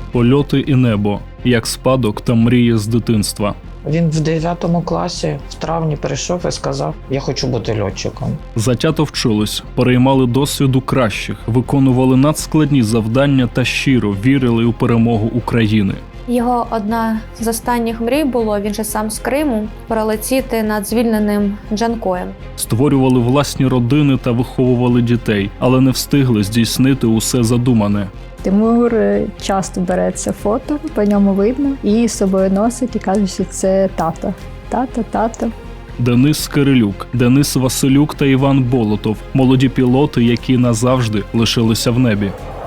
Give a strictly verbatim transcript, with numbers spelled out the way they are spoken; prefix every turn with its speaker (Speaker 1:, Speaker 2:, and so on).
Speaker 1: Польоти і небо, як спадок та мрії з дитинства.
Speaker 2: Він в дев'ятому класі в травні прийшов і сказав: «Я хочу бути льотчиком».
Speaker 1: Затято вчились, переймали досвіду кращих, виконували надскладні завдання та щиро вірили у перемогу України.
Speaker 3: Його одна з останніх мрій було, він же сам з Криму, пролетіти над звільненим Джанкоєм.
Speaker 1: Створювали власні родини та виховували дітей, але не встигли здійснити усе задумане.
Speaker 4: Тимур часто бере це фото, по ньому видно, і з собою носить і каже, що це тато. Тато, тато.
Speaker 1: Денис Кирилюк, Денис Василюк та Іван Болотов – молоді пілоти, які назавжди лишилися в небі.